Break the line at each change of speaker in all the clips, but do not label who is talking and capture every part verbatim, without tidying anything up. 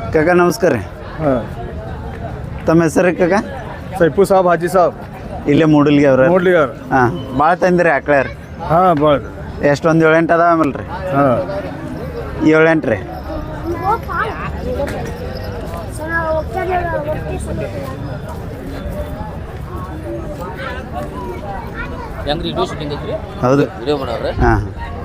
ಕಾಕ ನಮಸ್ಕಾರ ರೀ.
ಹಾಂ
ತಮ್ಮ ಹೆಸರು ಕಾಕ?
ಸೈಫು ಸಾಬ್ ಹಾಜಿ ಸಾಬ್
ಇಲ್ಲೇ ಮೂಡಲ್ಗಿ ಅವ್ರ.
ನೋಡ್ಲಿ ಅವ್ರು.
ಹಾಂ ಭಾಳ ತಂದಿರಿ ಆಕಳ ರೀ.
ಹಾಂ ಭಾಳ
ಎಷ್ಟೊಂದು ಏಳೆಂಟು ಅದಾವ ಆಮೇಲೆ ರೀ?
ಹಾಂ
ಏಳೆಂಟು ರೀ. ಹೌದು. ಹಾಂ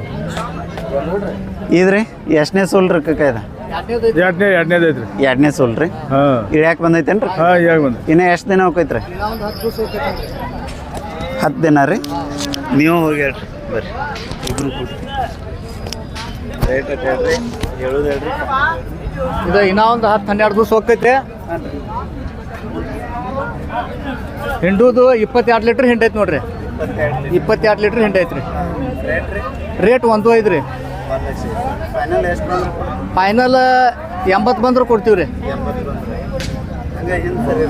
ಇದ್ರಿ ಎಷ್ಟನೇ ಸೋಲ್ ರೀ ಕಾಕ ಇದು?
ಎರಡನೇ ಎರಡನೇದು ಐತ್ರಿ.
ಎರಡನೇ ಸೋಲ್ ರೀ.
ಹಾಂ
ಇಳ್ಯಾಕೆ ಬಂದೈತೇನ್ರಿ?
ಹಾಂ ಈಗ ಬಂದು
ಇನ್ನು ಎಷ್ಟು ದಿನ ಹೋಗೈತ್ರಿ? ಹತ್ತು ದಿನ ರೀ. ನೀವು ಹೋಗಿ ಹೇಳ್ರಿ ಬರ್ರಿ ಇಬ್ರು ಕೂಡಿ ರೇಟ್ ಹೇಳ್ರಿ, ಹೇಳೋದು ಹೇಳ್ರಿ.
ಇದು ಇನ್ನೂ ಒಂದು ಹತ್ತು ಹನ್ನೆರಡು ದಿವಸ ಹೋಗ್ತೈತೆ. ಹಿಂಡುದು ಇಪ್ಪತ್ತೆರಡು ಲೀಟ್ರ್ ಹಿಂಡೈತೆ ನೋಡ್ರಿ. ಇಪ್ಪತ್ತೆರಡು ಲೀಟ್ರ್ ಹಿಂಡೈತೆ ರೀ. ರೇಟ್ ಒಂದು ಐದು ರೀ.
ಫೈನಲ್ ಎಷ್ಟು ಬಂದ್ರೆ
ಫೈನಲ್ ಎಂಬತ್ತು ಬಂದ್ರೆ ಕೊಡ್ತೀವಿ ರೀ.
ಎಂಬತ್ತು ಬಂದ್ರೆ ಹಂಗೆ ಹಿಂದೆ ಸರಿ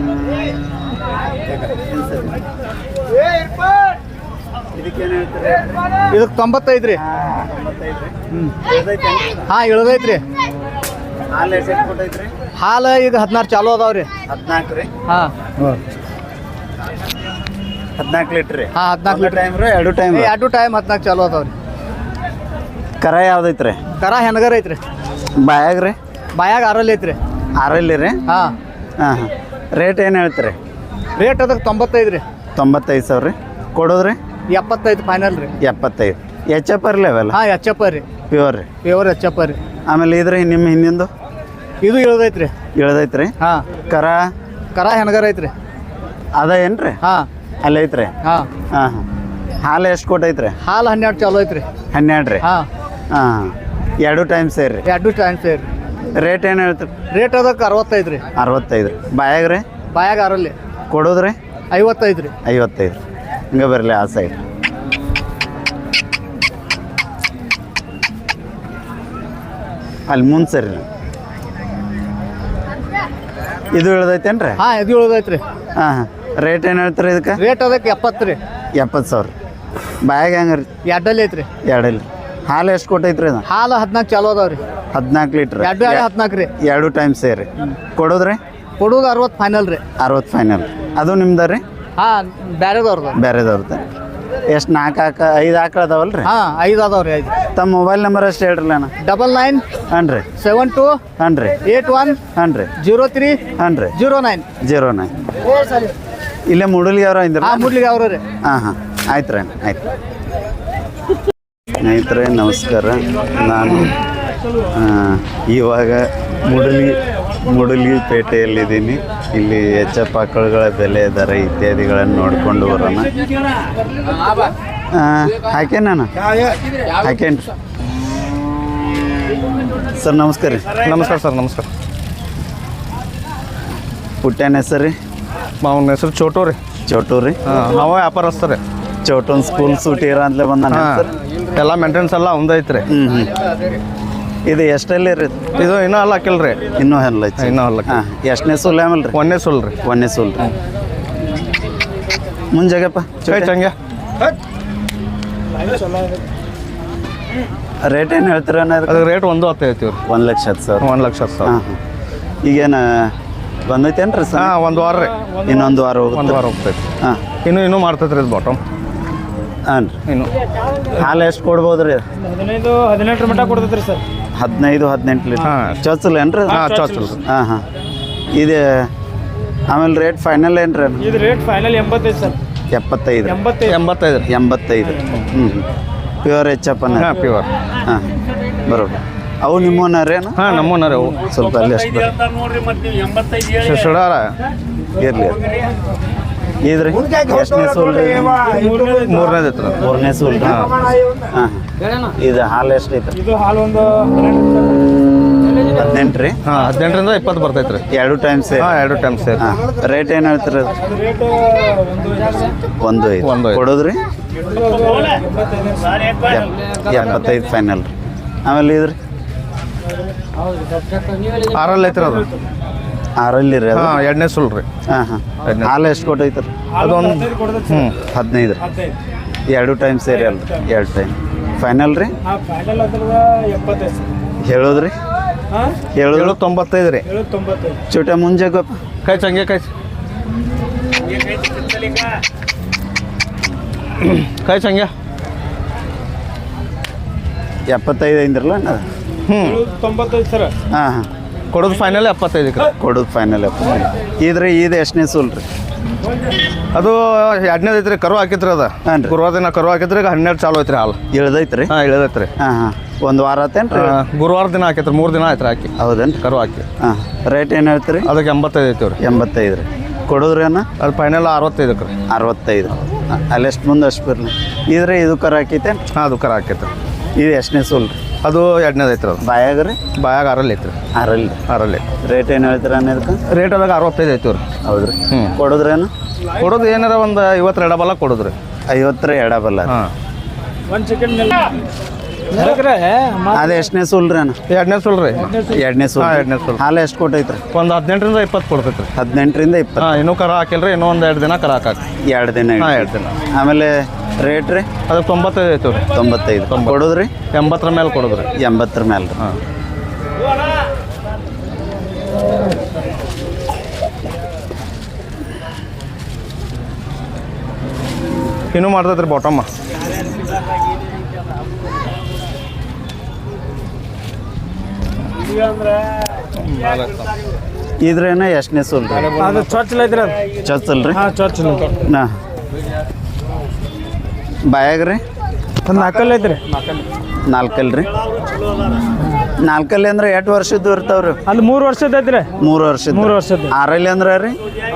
ಇದಕ್ಕೇನು ಹೇಳ್ತೀರಿ?
ಇದಕ್ಕೆ ತೊಂಬತ್ತೈದು ರೀ.
ತೊಂಬತ್ತೈದು ರೀ.
ಹ್ಞೂ
ಇಳ್ದೈತೆ
ಹಾಂ ಇಳ್ದೈತೆ ರೀ.
ಹಾಲು ಎಷ್ಟು ಕೊಟ್ಟೈತ್ರಿ?
ಹಾಲು ಈಗ ಹದಿನಾರು ಚಾಲು ಅದಾವೆ ರೀ.
ಹದಿನಾಲ್ಕು ರೀ.
ಹಾಂ
ಹಾಂ
ಹದಿನಾಲ್ಕು ಲೀಟ್ರ್ ರೀ.
ಹಾಂ ಹದಿನಾಲ್ಕು ಲೀಟ್ರ್
ಟೈಮ್ ರೀ ಎರಡು ಟೈಮ್
ಎರಡು ಟೈಮ್ ಹದಿನಾಲ್ಕು ಚಾಲು ಅದಾವೆ ರೀ.
ಕರ ಯಾವ್ದೈತ್ರಿ?
ಕರ ಹೆಣ್ಗರ ಐತ್ರಿ.
ಬಾಯಾಗ ರೀ?
ಬಾಯಾಗ ಆರಲ್ಲಿ ಐತ್ರಿ.
ಆರಲ್ಲಿ ರೀ.
ಹಾಂ
ಹಾಂ ಹಾಂ ರೇಟ್ ಏನು ಹೇಳ್ತೀರಿ?
ರೇಟ್ ಅದಕ್ಕೆ ತೊಂಬತ್ತೈದು ರೀ.
ತೊಂಬತ್ತೈದು ಸಾವಿರ ರೀ. ಕೊಡೋದ್ರಿ?
ಎಪ್ಪತ್ತೈದು ಫೈನಲ್ ರೀ.
ಎಪ್ಪತ್ತೈದು. ಎಚ್ ಎಫ್ ಅರ್ಲಿ ಅವೆಲ್ಲ?
ಹಾಂ ಎಚ್ ಎಪ್ಪ ರೀ.
ಪ್ಯೂರ್ ರೀ.
ಪ್ಯೂರ್ ಎಚ್ ಎಪ್ಪ ರೀ.
ಆಮೇಲೆ ಇದ್ರಿ ನಿಮ್ಮ ಹಿಂದಿಂದು
ಇದು ಇಳ್ದೈತ್ರಿ.
ಇಳ್ದೈತ್ರಿ?
ಹಾಂ
ಕರ
ಕರ ಹೆಣ್ಗರ ಐತ್ರಿ.
ಅದ ಏನು ರೀ?
ಹಾಂ
ಅಲ್ಲಿ ಐತ್ರಿ.
ಹಾಂ
ಹಾಂ ಹಾಂ ಹಾಲು ಎಷ್ಟು ಕೊಟ್ಟೈತ್ರಿ?
ಹಾಲು ಹನ್ನೆರಡು ಚಾಲು ಐತ್ರಿ.
ಹನ್ನೆರಡು ರೀ.
ಹಾಂ
ಹಾಂ ಎರಡು ಟೈಮ್ ಸೇರಿ ರೀ.
ಎರಡು ಟೈಮ್ ಸೇರಿ.
ರೇಟ್ ಏನು ಹೇಳ್ತೀರಿ?
ರೇಟ್ ಅದಕ್ಕೆ ಅರವತ್ತೈದು ರೀ.
ಅರವತ್ತೈದು ರೀ. ಬಾಯಾಗ ರೀ?
ಬಾಯಾಗ ಆರಲ್ಲಿ.
ಕೊಡೋದ್ರಿ?
ಐವತ್ತೈದು ರೀ.
ಐವತ್ತೈದು. ಹಿಂಗೆ ಬರಲಿ ಆ ಸೈಡ್. ಅಲ್ಲಿ ಮುಂದೆ ಸರಿ. ಇದು ಇಳ್ದೈತೇನು ರೀ?
ಹಾಂ ಇದು ಇಳ್ದೈತೆ ರೀ.
ಹಾಂ ಹಾಂ ರೇಟ್ ಏನು ಹೇಳ್ತೀರಿ ಇದಕ್ಕೆ?
ರೇಟ್ ಅದಕ್ಕೆ ಎಪ್ಪತ್ತು ರೀ.
ಎಪ್ಪತ್ತು ಸಾವಿರ. ಬಾಯಾಗ ಹೆಂಗೆ ರೀ?
ಎರಡಲ್ಲಿ ಐತ್ರಿ.
ಎರಡಲ್ಲಿ. ಹಾಲು ಎಷ್ಟು ಕೊಟ್ಟೈತ್ರಿ ಅದು?
ಹಾಲು ಹದಿನಾಲ್ಕು ಚಾಲು ಅದಾವೆ ರೀ.
ಹದಿನಾಲ್ಕು ಲೀಟ್ರ್.
ಎರಡು ಎರಡು ಹದಿನಾಲ್ಕು ರೀ.
ಎರಡು ಟೈಮ್ ಸೇರಿ. ಕೊಡೋದ್ರಿ?
ಕೊಡೋದು ಅರವತ್ತು ಫೈನಲ್ ರೀ.
ಅರವತ್ತು ಫೈನಲ್. ಅದು ನಿಮ್ದು ರೀ?
ಹಾಂ ಬೇರೆದವ್ರದ್ದು.
ಬೇರೆದವ್ರದ್ದು. ಎಷ್ಟು ನಾಲ್ಕು ಆಕ ಐದು ಆಕಳ ಅದಾವಲ್ಲ ರೀ?
ಹಾಂ ಐದು ಅದಾವೆ ರೀ. ಐದು.
ತಮ್ಮ ಮೊಬೈಲ್ ನಂಬರ್ ಅಷ್ಟು ಹೇಳ್ರಲ್ಲ ಅಣ್ಣ.
ಡಬಲ್ ನೈನ್
ಹಾಂ ರೀ.
ಸೆವೆನ್ ಟು
ಹಾಂ ರೀ.
ಏಟ್ ಒನ್
ಹಾಂ ರೀ.
ಜೀರೋ ತ್ರೀ
ಹಾಂ ರೀ.
Zero nine
zero nine. ಇಲ್ಲೇ ಮೂಡಲ್ಗಿ ಅವ್ರ ಇಂದ್ರ?
ಹಾಂ ಮುಡ್ಲಿಗೆ ಅವರು ರೀ.
ಹಾಂ ಹಾಂ ಆಯ್ತು ರೀ. ಆಯ್ತು ಸ್ನೇಹಿತರೆ ನಮಸ್ಕಾರ. ನಾನು ಇವಾಗ ಮೂಡಲ್ಗಿ ಮೂಡಲ್ಗಿ ಪೇಟೆಯಲ್ಲಿದ್ದೀನಿ. ಇಲ್ಲಿ ಎಚ್ ಎಫ್ ಆಕಳುಗಳ ಬೆಲೆ ದರ ಇತ್ಯಾದಿಗಳನ್ನು ನೋಡಿಕೊಂಡು ಬರೋಣ. ಹಾಕೇನ ಹಾಕೇನ್ರಿ ಸರ್? ನಮಸ್ಕಾರ ರೀ.
ನಮಸ್ಕಾರ ಸರ್. ನಮಸ್ಕಾರ.
ಪುಟ್ಟನ ಹೆಸರು ರೀ?
ಅವನ ಹೆಸರು ಚೋಟು ರೀ.
ಚೋಟು ರೀ.
ಹಾಂ ಅವ ವ್ಯಾಪಾರಸ್ಥ ರೀ.
ಚೋಟನ್ ಸ್ಕೂಲ್ ಸೂಟಿ ಇರ ಅಂತಲೇ ಬಂದಾನ ಸರ್?
ಎಲ್ಲ ಮೇಂಟೆನೆನ್ಸ್ ಎಲ್ಲ ಒಂದೈತೆ ರೀ.
ಹ್ಞೂ ಹ್ಞೂ ಇದು ಎಷ್ಟಲ್ಲಿ ರೀ?
ಇದು ಇನ್ನೂ ಅಲ್ಲ ಹಾಕಿಲ್ಲ ರೀ.
ಇನ್ನೂ ಹಲ್ಲ ಐತಿ.
ಇನ್ನೂ ಹಲ್ಲ.
ಹಾಂ ಎಷ್ಟನೇ ಸೂಲ್ ಆಮೇಲೆ ರೀ?
ಒಂದೇ ಸೋಲ್ ರೀ.
ಒಂದೇ ಸೂಲ್ ರೀ. ಮುಂಜಾಗಪ್ಪ
ಚಂಗೆ
ರೇಟ್ ಏನು ಹೇಳ್ತೀರ?
ಅದಕ್ಕೆ ರೇಟ್ ಒಂದು ಹತ್ತು ಹೇಳ್ತೀವಿ ರೀ.
ಒಂದು ಲಕ್ಷ ಹತ್ತು ಸಾವಿರ.
ಒಂದು ಲಕ್ಷ ಹತ್ತು ಸಾವಿರ.
ಹಾಂ ಹಾಂ ಈಗೇನು ಬಂದೈತೇನು ರೀ ಸರ್?
ಹಾಂ ಒಂದು ವಾರ ರೀ.
ಇನ್ನೊಂದು ವಾರ ಹೋಗುತ್ತೆ.
ಒಂದು ವಾರ ಹೋಗ್ತೈತೆ.
ಹಾಂ
ಇನ್ನೂ ಇನ್ನೂ ಮಾಡ್ತೈತೆ ರೀ ಇದು ಬಾಟಮ್.
ಹಾಂ ರೀ.
ಇನ್ನು
ಹಾಲು ಎಷ್ಟು ಕೊಡ್ಬೋದು ರೀ?
ಹದಿನೈದು ಹದಿನೆಂಟರ ಮಟ್ಟ ಕೊಡ್ತೈತೆ ರೀ ಸರ್.
ಹದಿನೈದು ಹದಿನೆಂಟು ಲೀಟ್ರ್.
ಹಾಂ
ಚೊಚ್ಚಲ್ ಏನು ರೀ?
ಹಾಂ ಚೊಚ್ಚಲ್ ರೀ.
ಹಾಂ ಹಾಂ ಇದು ಆಮೇಲೆ ರೇಟ್ ಫೈನಲ್ ಏನು ರೀ?
ಇದು ರೇಟ್ ಫೈನಲ್ ಎಂಬತ್ತೈದು ಸರ್.
ಎಪ್ಪತ್ತೈದು.
ಎಂಬತ್ತೈದು
ಎಂಬತ್ತೈದು ರೀ.
ಎಂಬತ್ತೈದು. ಹ್ಞೂ ಹ್ಞೂ ಪ್ಯೂರ್ ಎಚ್ ಎಫ್ ಅನ್ನ?
ಹಾಂ ಪ್ಯೂರ್.
ಹಾಂ ಬರೋಬರ್. ಅವು ನಿಮ್ಮನ್ನ ರೇನು?
ಹಾಂ ನಮ್ಮನ್ನ ರೀ ಅವು.
ಸ್ವಲ್ಪ ಅಲ್ಲಿ ಅಷ್ಟು
ಸುಡಾರ
ಇರಲಿ. ಇದ್ರಿ ಎಷ್ಟನೇ ಸೂಲ್ ರೀ?
ಮೂರನೇದು ಐತ್ರ.
ಮೂರನೇ ಸೂಲ್ ರೀ. ಹಾಂ ಹಾಂ ಇದು ಹಾಲು ಎಷ್ಟು ಐತೆ?
ಇದು ಹಾಲು ಒಂದು
ಹದಿನೆಂಟು ರೀ.
ಹಾಂ ಹದಿನೆಂಟರಿಂದ ಇಪ್ಪತ್ತು ಬರ್ತೈತೆ ರೀ.
ಎರಡು ಟೈಮ್ ಸೇರಿ?
ಹಾಂ ಎರಡು ಟೈಮ್ ಸೇರಿ.
ಹಾಂ ರೇಟ್ ಏನು ಹೇಳ್ತೀರಿ?
ರೇಟ್
ಒಂದು ಐದು.
ಒಂದು ಐದು.
ಕೊಡೋದ್ರಿ? ಎಪ್ಪತ್ತೈದು ಫೈನಲ್ ರೀ. ಆಮೇಲೆ ಇದ್ರಿ
ಆರಲ್ಲಿ ಐತ್ರಿ ಅದು.
ಆರಲ್ಲಿ ರೀ?
ಹಾಂ ಎರಡನೇ ಸುಲ್ ರೀ.
ಹಾಂ ಹಾಂ ಹಾಲು ಎಷ್ಟು ಕೊಟ್ಟೈತೆ ರೀ?
ಅದೊಂದು ಹ್ಞೂ
ಹದಿನೈದು ರೀ. ಎರಡು ಟೈಮ್ ಸೇರಿ ಅಲ್ಲ ರೀ? ಎರಡು ಟೈಮ್ ಫೈನಲ್ ರೀ?
ಫೈನಲ್ ಅದ್ರದ ಎಪ್ಪತ್ತೈದು
ಹೇಳೋದ್ರಿ? ಹೇಳೋದು
ಏಳು ತೊಂಬತ್ತೈದು ರೀ
ಚೋಟ ಮುಂಜೆ ಗೊಪ್ಪ
ಕೈ ಚಂಗೆ ಕೈ ಕೈ ಚಂಗೆ
ಎಪ್ಪತ್ತೈದು ಐದ್ರಲ್ಲ
ಹ್ಞೂ
ತೊಂಬತ್ತೈದು ಸರ್
ಹಾಂ ಹಾಂ
ಕೊಡೋದು ಫೈನಲ್ ಎಪ್ಪತ್ತೈದಕ್ಕೆ ರೀ
ಕೊಡೋದು ಫೈನಲ್ ಇದ್ರಿ ಇದು ಎಷ್ಟನೇ ಸೂಲ್ ರೀ
ಅದು ಎರಡನೇದು ಐತ್ರಿ ಕರು ಹಾಕಿತ್ರಿ ಅದ
ಹಾಂ ರೀ
ಗುರುವಾರ ದಿನ ಕರು ಹಾಕಿದ್ರಿ ಈಗ ಹನ್ನೆರಡು ಚಾಲು ಐತ್ರಿ ಹಾಲು
ಇಳ್ದೈತ್ರಿ
ಹಾಂ ಇಳಿದೈತ್ರಿ
ಹಾಂ ಹಾಂ ಒಂದು ವಾರ ಆತೇನು ರೀ
ಗುರುವಾರ ದಿನ ಹಾಕೈತ್ರಿ ಮೂರು ದಿನ ಆಯ್ತು ಹಾಕಿ
ಹೌದೇನು
ಕರು ಹಾಕಿ
ಹಾಂ ರೇಟ್ ಏನು ಹೇಳ್ತೀರಿ
ಅದಕ್ಕೆ ಎಂಬತ್ತೈದು ಐತಿವ್ರಿ
ಎಂಬತ್ತೈದು ರೀ ಕೊಡೋದ್ರಿ ಅಣ್ಣ
ಅದು ಫೈನಲ್ ಅರವತ್ತೈದಕ್ಕೆ ರೀ
ಅರವತ್ತೈದು ಹಾಂ ಅಲ್ಲಿ ಎಷ್ಟು ಮುಂದೆ ಅಷ್ಟು ಬರಲಿ ಇದ್ರೆ ಇದು ಕರ ಹಾಕೈತೆ
ಹಾಂ ಅದು ಕರ ಹಾಕೈತ್ರಿ
ಇದು ಎಷ್ಟನೇ ಸೂಲ್ ರೀ
ಅದು ಎರಡನೇದು ಐತ್ರಿ ಅದು
ಬಾಯಾಗ ರೀ
ಬಾಯಾಗ ಅರಲ್ಲಿ ಐತ್ರಿ
ಅರಲ್ಲಿ
ಅರಲ್ಲಿ
ರೇಟ್ ಏನು ಹೇಳ್ತೀರ ಅನ್ನೋದಕ್ಕೆ
ರೇಟ್ ಅದಾಗ ಅರವತ್ತೈದು ಐತಿವ್ರಿ
ಹೌದ್ರಿ
ಹ್ಞೂ
ಕೊಡೋದ್ರೇನು
ಕೊಡೋದು ಏನಾರ ಒಂದು ಐವತ್ತು ಎಡಬಲ ಕೊಡೋದ್ರಿ
ಐವತ್ತರ ಎಡಬಲ್ಲ
ಹಾಂ
ಒಂದು ಸೆಕೆಂಡ್
ಅದು ಎಷ್ಟನೇ ಸೂಲ್ ರೀ ಅಣ್ಣ
ಎರಡನೇ ಸುಲ್ ರೀ
ಎರಡನೇ ಸೂಲ್
ಹಾಂ ಎರಡನೇ ಸುಲ್
ಹಾಲು ಎಷ್ಟು ಕೊಟ್ಟೈತ್ರಿ
ಒಂದು ಹದಿನೆಂಟರಿಂದ ಇಪ್ಪತ್ತು ಕೊಡ್ತೈತ್ರಿ
ಹದಿನೆಂಟರಿಂದ ಇಪ್ಪತ್ತು
ಹಾಂ ಇನ್ನೂ ಕರ ಹಾಕಿಲ್ರಿ ಇನ್ನೂ ಒಂದು ಎರಡು ದಿನ ಕರ ಹಾಕಿ
ಎರಡು ದಿನ
ಹಾಂ
ಇಡ್ತೀವಿ.
ಎರಡು ದಿನ
ಆಮೇಲೆ ರೇಟ್ ರೀ
ಅದು ತೊಂಬತ್ತೈದು ಐತಿವ್ರಿ
ತೊಂಬತ್ತೈದು ಕೊಡೋದ್ರಿ
ಎಂಬತ್ತರ ಮೇಲೆ ಕೊಡೋದ್ರಿ
ಎಂಬತ್ತರ ಮೇಲೆ ರೀ
ಹಾಂ ಇನ್ನೂ ಮಾಡ್ತೈತ್ರಿ ಬಾಟಮ್ಮ
ಇದ್ರೇನ ಎಷ್ಟನೇ ಸೂಲ್ ರೀ
ಅದು ಚೊಚ್ಚಲ ಐತ್ರಿ ಅದು
ಚೊಚ್ಚಲ್ ರೀ
ಹಾಂ ಚೊಚ್ಚಲ
ನಾ ಬಾಯಾಗ ರೀ
ಒಂದು ನಾಲ್ಕಲ್ಲಿ ಐತ್ರಿ
ನಾಲ್ಕಲ್ ರೀ ನಾಲ್ಕಲ್ಲಿ ಅಂದ್ರೆ ಎಷ್ಟು ವರ್ಷದ್ದು ಇರ್ತಾವ್ರಿ
ಅದು ಮೂರು ವರ್ಷದ ಐತ್ರಿ
ಮೂರು ವರ್ಷದ
ಮೂರು ವರ್ಷದ್ದು.
ಆರಲ್ಲಿ ಅಂದ್ರೆ ರೀ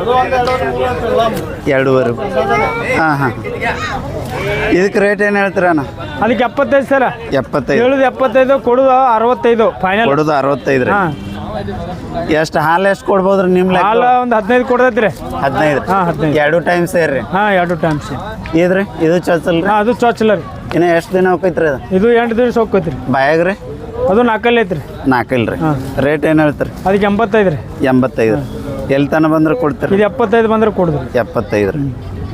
ಎರಡೂವರೆ ಹಾಂ ಹಾಂ ಇದಕ್ಕೆ ರೇಟ್ ಏನು ಹೇಳ್ತೀರಣ್ಣ
ಅದಕ್ಕೆ ಎಪ್ಪತ್ತೈದು ಸರ
ಎಪ್ಪತ್ತೈದು
ಹೇಳುದು ಎಪ್ಪತ್ತೈದು ಕೊಡುದು ಅರವತ್ತೈದು ಫೈನಲ್
ಕೊಡೋದು ಅರವತ್ತೈದು ರೀ
ಹಾಂ
ಎಷ್ಟು ಹಾಲು ಎಷ್ಟು ಕೊಡ್ಬೋದ್ರಿ ನಿಮ್ಮ ಲೆಕ್ಕ
ಹಾಲು ಒಂದು ಹದಿನೈದು ಕೊಡ್ತೈತ್ರಿ
ಹದಿನೈದು
ಹಾಂ ಹದಿನೈದು
ಎರಡು ಟೈಮ್ ಸೇರಿ
ಹಾಂ ಎರಡು ಟೈಮ್ಸ್
ಇದ್ರಿ ಇದು ಚೊಚ್ಚಲ್ ರೀ
ಹಾಂ ಅದು ಚೊಚ್ಚಲ ರೀ
ಇನ್ನು ಎಷ್ಟು ದಿನ ಹೋಗೈತ್ರಿ ಅದು
ಇದು ಎಂಟು ದಿವಸ ಹೋಗ್ತೈತ್ರಿ
ಬಾಯಾಗ ರೀ
ಅದು ನಾಲ್ಕಲ್ಲಿ ಐತ್ರಿ
ನಾಲ್ಕಲ್ ರೀ
ಹಾಂ.
ರೇಟ್ ಏನು ಹೇಳ್ತೀರಿ
ಅದಕ್ಕೆ ಎಂಬತ್ತೈದು ರೀ
ಎಂಬತ್ತೈದು ಎಲ್ಲಿ ತನಕ ಬಂದ್ರೆ ಕೊಡ್ತೀರಿ
ಇದು ಎಪ್ಪತ್ತೈದು ಬಂದ್ರೆ ಕೊಡುದು
ಎಪ್ಪತ್ತೈದು ರೀ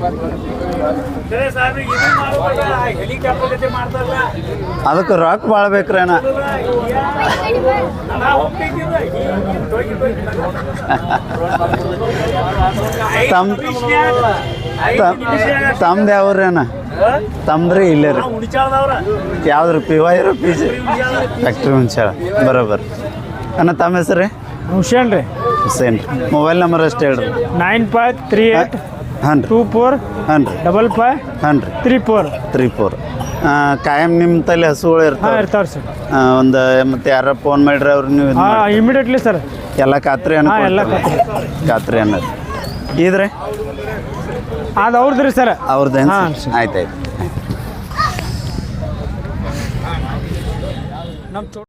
ಅದಕ್ಕೆ ರೊಕ್ಕ ಭಾಳ ಬೇಕ್ರಿ ಅಣ್ಣ ತಮ್ ತಮ್ದು ಯಾವ್ರಿ ಅಣ್ಣ ತಮ್ದ್ರಿ ಇಲ್ಲೇ ರೀ ಯಾವ್ದು ರೀ ಪಿ ವೈ ರೀ ಪಿ ಜಿ ಫ್ಯಾಕ್ಟ್ರಿ ಹುಂಚಾಳ ಬರೋಬ್ಬರ ಅಣ್ಣ ತಮ್ಮ ಹೆಸರು ರೀ
ಹುಷೇನ್ ರೀ
ಹುಸೇನ್ ರೀ ಮೊಬೈಲ್ ನಂಬರ್ ಅಷ್ಟು ಹೇಳ್ರಿ
ನೈನ್ ಫೈವ್ ತ್ರೀ ಏಟ್
ಹಾಂ ರೀ
ಟೂ ಫೋರ್
ಹಾಂ ರೀ
ಡಬಲ್ ಫೈವ್
ಹಾಂ ರೀ
ತ್ರೀ ಫೋರ್
ತ್ರೀ ಫೋರ್ ಕಾಯಂ ನಿಮ್ಮ ತಲೆ ಹಸುಗಳು
ಹಾಂ
ಇರ್ತಾವೆ
ಇರ್ತಾವ್ರಿ ಸರ್
ಒಂದು ಮತ್ತೆ ಯಾರ ಫೋನ್ ಮಾಡ್ರಿ ಅವ್ರು ನೀವು ಇದ್
ಹಾಂ
ಮಾಡ್ತೀರಿ.
ಇಮಿಡಿಯೇಟ್ಲಿ ಸರ್
ಎಲ್ಲ ಖಾತ್ರಿ
ಹಾಂ ಎಲ್ಲ
ಅನ್ನ ಖಾತ್ರಿ ಅನ್ನೋದು ಇದ್ರಿ
ಅದು ಅವ್ರದ್ದು ರೀ ಸರ್
ಅವ್ರದ್ದೇನು
ಹಾಂ,
ಆಯ್ತು ಆಯ್ತು
ನಮ್ಮ